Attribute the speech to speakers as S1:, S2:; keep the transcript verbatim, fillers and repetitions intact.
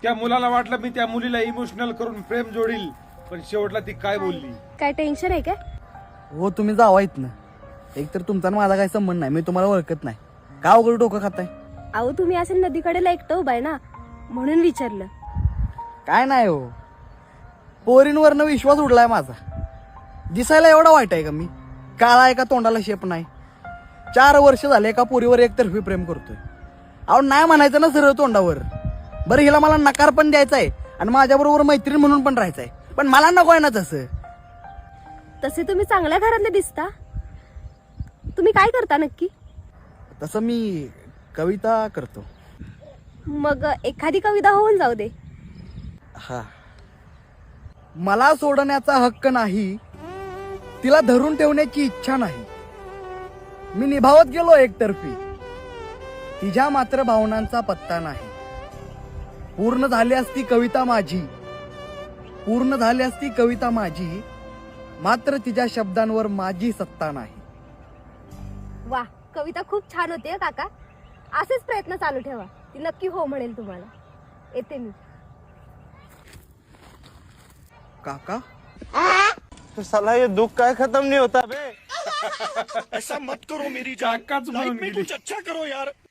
S1: त्या मुलाला वाटलं मी त्या मुलीला इमोशनल करून प्रेम जोडील, पण शेवटला ती काय बोलली.
S2: काय टेन्शन आहे काय?
S3: हो तुम्ही जावा इथनं. एक तर तुमचा आणि माझा काही संबंध नाही, मी तुम्हाला ओळखत नाही. का उघड डोकं खाताय?
S2: अहो तुम्ही असं नदीकडेला एकटं उभाय ना, म्हणून विचारलं.
S3: काय नाही हो, पोरींवरनं विश्वास उडलाय माझा. दिसायला एवढा वाईट आहे का मी? काळा आहे का तोंडाला शेप नाही? चार वर्ष झाले एका पोरीवर एकतर्फी प्रेम करतोय. अहो नाही म्हणायचं ना सरळ तोंडावर. बरं हिला मला नकार पण द्यायचा आहे आणि माझ्याबरोबर मैत्रीण म्हणून पण राहायचं आहे, पण मला नको आहे ना तसं.
S2: तसे तुम्ही चांगल्या घरातले दिसता. तुम्ही काय करता नक्की?
S3: तसं मी कविता करतो.
S2: मग एखादी कविता होऊन जाऊ दे.
S3: हा. मला सोडण्याचा हक्क नाही, तिला धरून ठेवण्याची इच्छा नाही. मी निभावत गेलो एकतर्फी, तिच्या मात्र भावनांचा पत्ता नाही. पूर्ण झाली असती कविता माझी, पूर्ण झाली असती कविता माझी, मात्र तिच्या शब्दांवर माझी सत्ता नाही.
S2: वा, कविता खूप छान होती हं काका. असेच प्रयत्न चालू ठेवा, ती नक्की हो म्हणेल तुम्हाला. येते मी.
S3: काका
S4: तो साला ये दुख काय खत्म नहीं होता बे.
S5: ऐसा मत करो मेरी जान,
S1: काकाच
S5: लाइफ
S1: म्हणून
S5: में
S1: गेली.
S5: कुछ अच्छा करो यार.